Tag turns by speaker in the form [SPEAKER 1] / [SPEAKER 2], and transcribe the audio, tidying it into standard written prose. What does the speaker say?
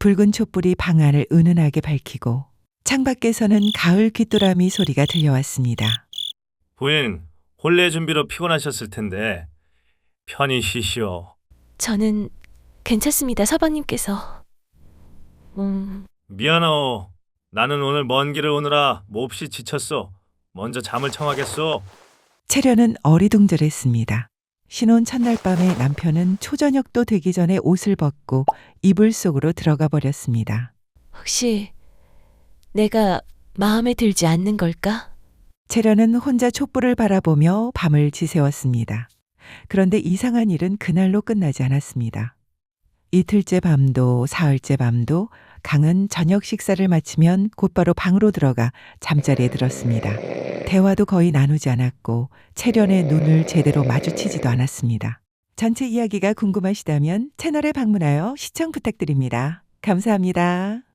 [SPEAKER 1] 붉은 촛불이 방 안을 은은하게 밝히고 창밖에서는 가을 귀뚜라미 소리가 들려왔습니다.
[SPEAKER 2] 부인, 혼례 준비로 피곤하셨을 텐데 편히 쉬시오.
[SPEAKER 3] 저는 괜찮습니다, 서방님께서.
[SPEAKER 2] 미안하오. 나는 오늘 먼 길을 오느라 몹시 지쳤소. 먼저 잠을 청하겠소.
[SPEAKER 1] 채련은 어리둥절했습니다. 신혼 첫날 밤에 남편은 초저녁도 되기 전에 옷을 벗고 이불 속으로 들어가 버렸습니다.
[SPEAKER 3] 혹시 내가 마음에 들지 않는 걸까?
[SPEAKER 1] 채련은 혼자 촛불을 바라보며 밤을 지새웠습니다. 그런데 이상한 일은 그날로 끝나지 않았습니다. 이틀째 밤도 사흘째 밤도 강은 저녁 식사를 마치면 곧바로 방으로 들어가 잠자리에 들었습니다. 대화도 거의 나누지 않았고 채련의 눈을 제대로 마주치지도 않았습니다. 전체 이야기가 궁금하시다면 채널에 방문하여 시청 부탁드립니다. 감사합니다.